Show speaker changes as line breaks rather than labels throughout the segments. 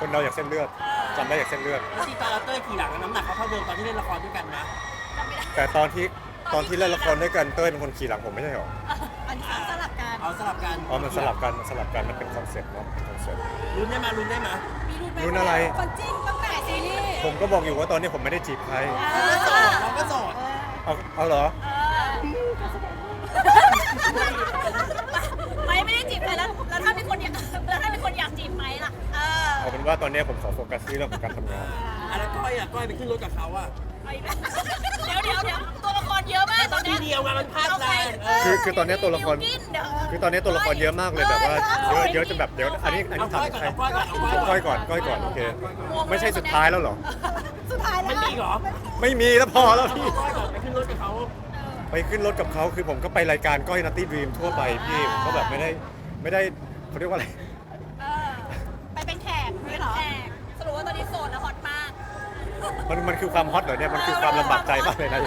คนเราอยากเส้นเลือดจำได้อยากเส้นเลือด
แล้วที่ตอนเราเต้ยขี่หลังน้ำหนักเขาเท่าเดิมตอนที่เล่นละครด้วยกันนะ
แต่ตอนที่เล่นละครด้วยกันเต้ยเป็นคนขี่หลังผมไม่ใช่หรอ
อันนี้สลับกัน
เอาสลับกัน
อ๋อมันสลับกันมันเป็นคอนเซ็ปต์เนาะคอนเซ็ปต์
ลุ้นได้มาลุ้นได้มา
มีรุ่นไหม
รุ่นอะไร
คนจิ้นตั้งแต่ซีรีส์
ผมก็บอกอยู่ว่าตอนนี้ผมไม่ได้จีบใคร
เราก็โสด
เอาเหรอ
ไม่ได้จีบใครแล้วถ้ามีคนอยากจีบไหมล่ะ
เอาเป็นว่าตอนนี้ผมขอโฟกัสที่เรื่องของการทำงาน
แล้วก้อยไปขึ้นรถกับเขาอะ
เดี๋ยวตัวละครเยอะมากตอน
ที
นี้
เดียวไงมันพลาดแรง
คือตอนนี้ตัวละครคือตอนนี้ตัวละครเยอะมากเลยแบบว่าเยอะจนแบบเดี๋ยวอันนี้
เอา
ทำ
ก้อยก่อน
ใคร
เอาก้อยก่อน
ก้อยก่อนโอเคไม่ใช่สุดท้ายแล้วเหรอ
สุดท้ายแล้ว
มันมีเหรอ
ไม่มีแล้วพอแล้วพี่
ก้อยก่อนไปขึ้นรถกับเขา
ไปขึ้นรถกับเขาคือผมก็ไปรายการก้อยนัตตี้ดรีมทั่วไปพี่ผมก็แบบไม่ได้เขาเรียกว่าอะไร
ไปเป็นแขกด้วยเหรอสรุปว่าตอนนี้โสดแล้วฮอตมาก
มันคือความฮอตเหรอเนี่ยมันคือความลำบากใจมากเลยนะ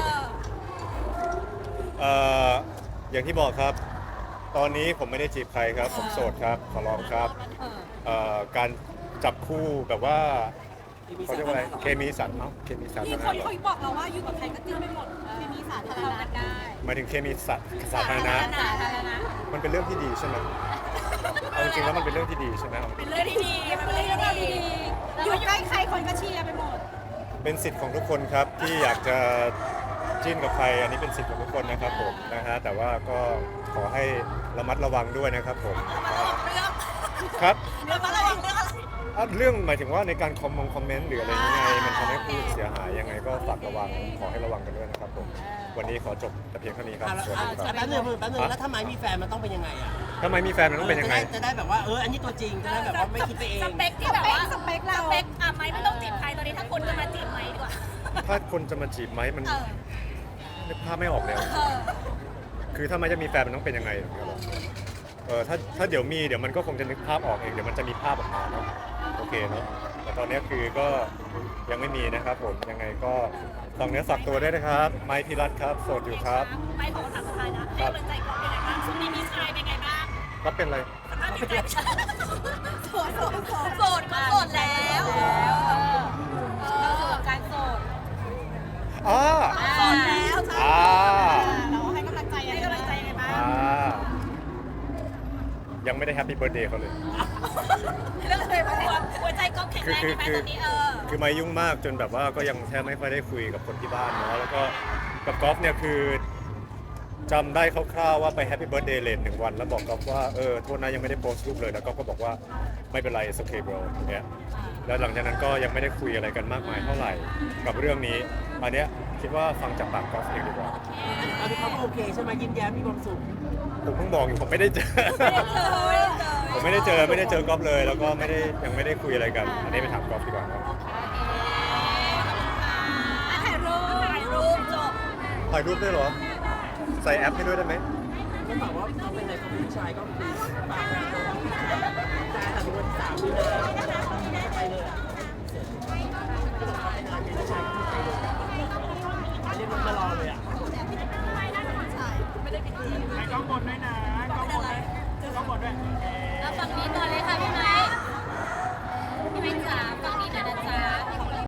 อย่างที่บอกครับ ตอนนี้ผมไม่ได้จีบใครครับ ผมโสดครับขอร้องครับการจับคู่แบบว่าเขาเรียกว่าอะไรเคมีสันเนาะเคมีสัน
มี
นะ
คนเขาบอกเราว่าอยู่กับใครก็จิ้นไปหมดเคมีสาธารณะได้
หมายถึงเคมีสัตสาธารณะมันเป็นเรื่องที่ดีใช่ไหมเอาจริงๆแล้วมันเป็นเรื่องที่ดีใช่ไหม
เป็นเรื่องที่ดีมันเป็นเรื่องที่ดีอยู่ใกล้ใครคนก็เชียร์ไปหมด
เป็นสิทธิ์ของทุกคนครับที่อยากจะจิ้นกับใครอันนี้เป็นสิทธิ์ของทุกคนนะครับผมนะฮะแต่ว่าก็ขอให้ระมัดระวังด้วยนะครับผมครับ
เรื่องอะไรเรื่องอะไร
เรื่องหมายถึงว่าในการคอมเมนต์หรืออะไรยังไงมันทำให้ผู้อื่นเสียหายยังไงก็ฝากระวังขอให้ระวังกันด้วยนะครับผมวันนี้ขอจบแต่เพียงเท่านี้ครับสวัสดีครับ
แป๊บนึงแล้วถ้าไม้มีแฟนมันต้องเป็นยังไงอะ
ทำไมมีแฟนมันต้องเป็นยังไง
จะได้แบบว่าอันนี้ตัวจริงจะได้แบบว่าไม่คิดไปเอง
สเปคที่แบบว่าสเปคเราสเปคไม่ต้องจีบใครตอนนี้ถ้าคนจะมาจีบไหมดีกว่า
ถ้าคนจะมาจีบไหมมันนึกภาพไม่ออกแล้วคือถ้าไม่จะมีแฟนมันต้องเป็นยังไงถ้าเดี๋ยวมันก็คงจะนึกภาพออกเองเดี๋ยวมันจะมีภาพออกมาเนาะโอเคเนาะแต่ตอนนี้คือก็ยังไม่มีนะครับผมยังไงก็ฝากเนื้อฝากตัวด้วยนะครับไมค์พิรัตครับโสดอยู่ครับ
ไม่ขอถามสุดท้ายนะให้กำลังใจก่อนเป็นไงบ้างช่วงนี้มีชายเป็นไงบ้าง
ก็เป็นอะไร
สภาพจิตใจโสดก็โสดแล้วการโสด
อ่า
โสดแล้วใช่
อ่า
เราให้กำลังใจยังไงบ้าง
ยังไม่ได้แฮปปี้เบิร์ดเดย์เขาเลย
เรื่องอะไรบ้างหัวใจก็แข็งแรงใช่ไหมตอนนี้
คือมายุ่งมากจนแบบว่าก็ยังแทบไม่ค่อยได้คุยกับคนที่บ้านเนาะแล้วก็กับกอล์ฟเนี่ยคือจำได้คร่าวๆว่าไปแฮปปี้เบิร์ดเดย์เลท1 วันแล้วบอกกอล์ฟว่าโทษนะยังไม่ได้โพสต์รูปเลยแล้วก็บอกว่าไม่เป็นไร it's okay bro อย่างเงี้ยแล้วหลังจากนั้นก็ยังไม่ได้คุยอะไรกันมากมายเท่าไหร่กับเรื่องนี้อันเนี้ยคิดว่าฟังจากปากกอล์ฟเองดีกว่า
อันนี้เขาโอเคใช่ไหมยิ้มแย้มมีความสุข
ผมเพิ่งบอกอยู่ผมไม่ได้เจอ ผมไม่ได้เจอกอล์ฟเลยแล้วก็ยังไม่ได้คุยอะไรกันอันนี้ไปถามกอล์ฟดีกว่าครับ
ถ่ายรูปจบ
ถ่ายรูปด้วยเหรอใส่แอปให้ด้วยได้ไหม
ก็บอกว่าเขาเป็นอะไรเขาเป็นผู้ชายก็คือปากแต่ถึงวันที่3 มีนา